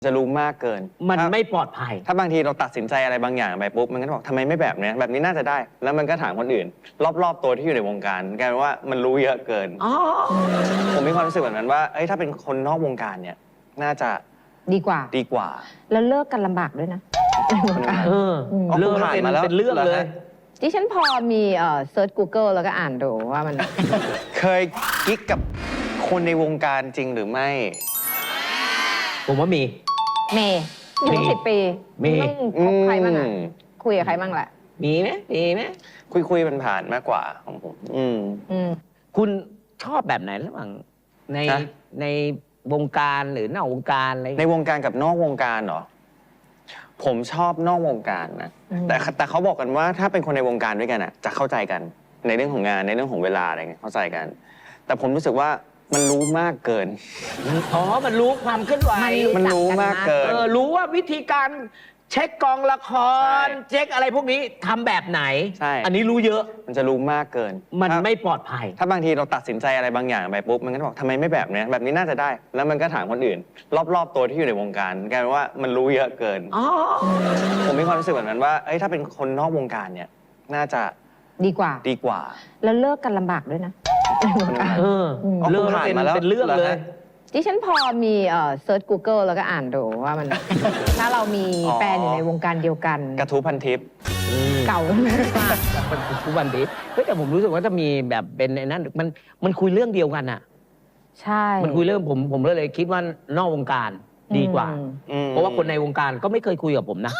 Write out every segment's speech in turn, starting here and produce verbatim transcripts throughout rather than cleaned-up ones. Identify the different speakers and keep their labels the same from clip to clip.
Speaker 1: จะรู้มากเกิน
Speaker 2: มันไม่ปลอดภัย
Speaker 1: ถ้าบางทีเราตัดสินใจอะไรบางอย่างไปปุ๊บมันก็บอกทำไมไม่แบบนี้แบบนี้น่าจะได้ แล้วมันก็ถามคนอื่น รอบๆตัวที่อยู่ในวงการกลายเป็นว่ามันรู้เยอะเกินผมมีความรู้สึกแบบนั้นว่าเอ้ยถ้าเป็นคนนอกวงการเนี่ยน่าจะ
Speaker 3: ดีกว่า
Speaker 1: ดีกว่า
Speaker 3: แล้วเลิกกันลำบากด้วยนะ
Speaker 2: เออเลิกเป็นเป็นเรื่องเลย
Speaker 3: ดิฉันพอมีเอ่อเซิร์ช Google แล้วก็อ่านดูว่ามัน
Speaker 1: เคยกิ๊กกับคนในวงการจริงหรือไม่
Speaker 2: ผมว่ามี
Speaker 3: เมย์อยู่สิบปี
Speaker 2: มี
Speaker 3: คบใครบ้างอ่ะคุยกับใครบ้างแหละ
Speaker 2: มีไหมมีไหม
Speaker 1: คุยคุยมันผ่านมากกว่าของผมอืม
Speaker 3: อืม
Speaker 2: คุณชอบแบบไหนระหว่างในในวงการหรือนอกวงการอะไร
Speaker 1: ในวงการกับนอกวงการเหรอผมชอบนอกวงการนะแต่แต่เขาบอกกันว่าถ้าเป็นคนในวงการด้วยกันอ่ะจะเข้าใจกันในเรื่องของงานในเรื่องของเวลาอะไรเงี้ยเข้าใจกันแต่ผมรู้สึกว่ามันรู้มากเกิน
Speaker 2: อ๋อมันรู้ความเคลื่อนไหว
Speaker 1: มันรู้มากเกิน
Speaker 2: เออรู้ว่าวิธีการเช็คกองละครเช็คอะไรพวกนี้ทำแบบไหน
Speaker 1: ใช่
Speaker 2: อันนี้รู้เยอะ
Speaker 1: มันจะรู้มากเกิน
Speaker 2: มันไม่ปลอดภัย
Speaker 1: ถ้าบางทีเราตัดสินใจอะไรบางอย่างไปปุ๊บมันก็บอกทำไมไม่แบบนี้แบบนี้น่าจะได้ แล้วมันก็ถามคนอื่น รอบๆตัวที่อยู่ในวงการกลายเป็นว่ามันรู้เยอะเกินผมมีความรู้สึกแบบนั้นว่าเอ้ยถ้าเป็นคนนอกวงการเนี่ยน่าจะ
Speaker 3: ดีกว่า
Speaker 1: ดีกว่า
Speaker 3: แล้วเลิกกันลำบากด้วยนะ
Speaker 2: เออเลิกเป็นเป็นเรื่องเลย
Speaker 3: ดิฉันพอมีเอ่อเซิร์ช Google แล้วก็อ่านดูว่ามันถ้าเรามีแฟนอยู่ในวงการเดียวกัน
Speaker 1: กระทู้พันทิป
Speaker 3: เก่ามาก
Speaker 2: ทุกวันนี้แต่ผมรู้สึกว่าจะมีแบบเป็นไอ้นั่นมันมันคุยเรื่องเดียวกันอ่ะ
Speaker 3: ใช่
Speaker 2: มันคุยเรื่องผมผมเลยคิดว่านอกวงการดีกว่าเพราะว่าคนในวงการก็ไม่เคยคุยกับผมนะ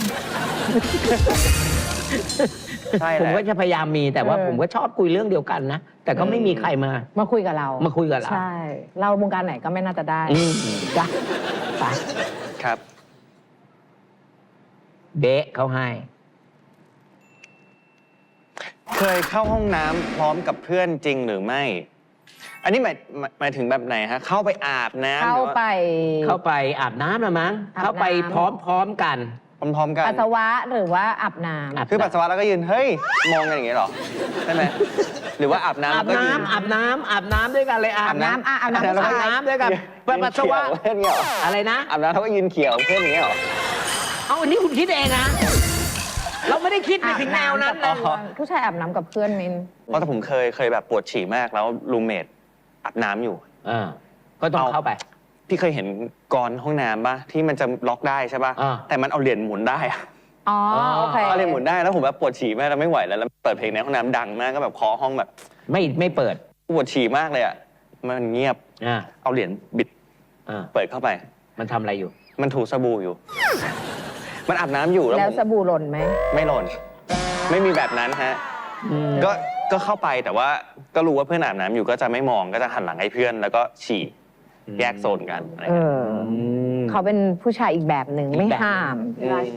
Speaker 2: ผมก็จะพยายามมีแต่ว่าผมก็ชอบคุยเรื่องเดียวกันนะแต่ก็ไม่มีใครมา
Speaker 3: มาคุยกับเรา
Speaker 2: มาคุยกับเรา
Speaker 3: ใช่เราวงการไหนก็ไม่น่าจะได้
Speaker 2: จ้ะไป
Speaker 1: ครับ
Speaker 2: เบะเขาให้
Speaker 1: เคยเข้าห้องน้ำพร้อมกับเพื่อนจริงหรือไม่อันนี้หมายหมายถึงแบบไหนฮะเข้าไปอาบน้ำ
Speaker 3: เข้าไป
Speaker 2: เข้าไปอาบน้ำนะมั้งเข้าไปพร้อมๆกัน
Speaker 1: พร้อมๆกัน
Speaker 3: ปัสสาวะหรือว่าอาบน้ำ
Speaker 1: คือปัสสาวะแล้วก็ยืนเฮ้ยมองกันอย่างเงี้ยหรอใช่ไหมหรือว่าอาบน้ำ
Speaker 2: อาบน้ำอาบน้ำอาบน้ำด้วยกันเลย
Speaker 3: อาบน้ำอาบน้ำ
Speaker 2: อาบน้ำด้วยกันปัสสาวะ
Speaker 1: เพื่อนเงี้ย
Speaker 2: อะไรนะ
Speaker 1: อาบน้ำเขาก็ยืนเขียวเพื่อนอย่างเงี้ยหรอ
Speaker 2: เอาอันนี้คุณคิดเองนะเราไม่ได้คิดในถึงแนวนั้นนะ
Speaker 3: ผู้ชายอาบน้ำกับเพื่อนมิน
Speaker 1: เพราะแต่ผมเคยเคยแบบปวดฉี่มากแล้วรูมเมทอาบน้ำอยู่
Speaker 2: อ่าก็ต้องเข้าไป
Speaker 1: พี่เคยเห็นกรห้องน้ำป่ะที่มันจะล็อกได้ใช่ป่ะแต่มันเอาเหรียญหมุนได้
Speaker 3: อ๋อโอเค
Speaker 1: เอาเหรียญหมุนได้แล้วผมแบบปวดฉี่มากแล้วไม่ไหวแล้วแล้วเปิดเพลงในห้องน้ำดังมากก็แบบเคาะห้องแบบ
Speaker 2: ไม่ไม่เปิด
Speaker 1: ปวดฉี่มากเลยอ่ะมันเงียบเอาเหรียญบิดเปิดเข้าไป
Speaker 2: มันทำอะไรอยู่
Speaker 1: มันถูสบู่อยู่มันอาบน้ำอยู่
Speaker 3: แล้วสบู่หล่นไหม
Speaker 1: ไม่หล่นไม่มีแบบนั้นฮะก็ก็เข้าไปแต่ว่าก็รู้ว่าเพื่อนอาบน้ำอยู่ก็จะไม่มองก็จะหันหลังให้เพื่อนแล้วก็ฉี่แยกโซนกันอะไรเงี้ย
Speaker 3: เขาเป็นผู้ชายอีกแบบหนึ่งไม่ห้าม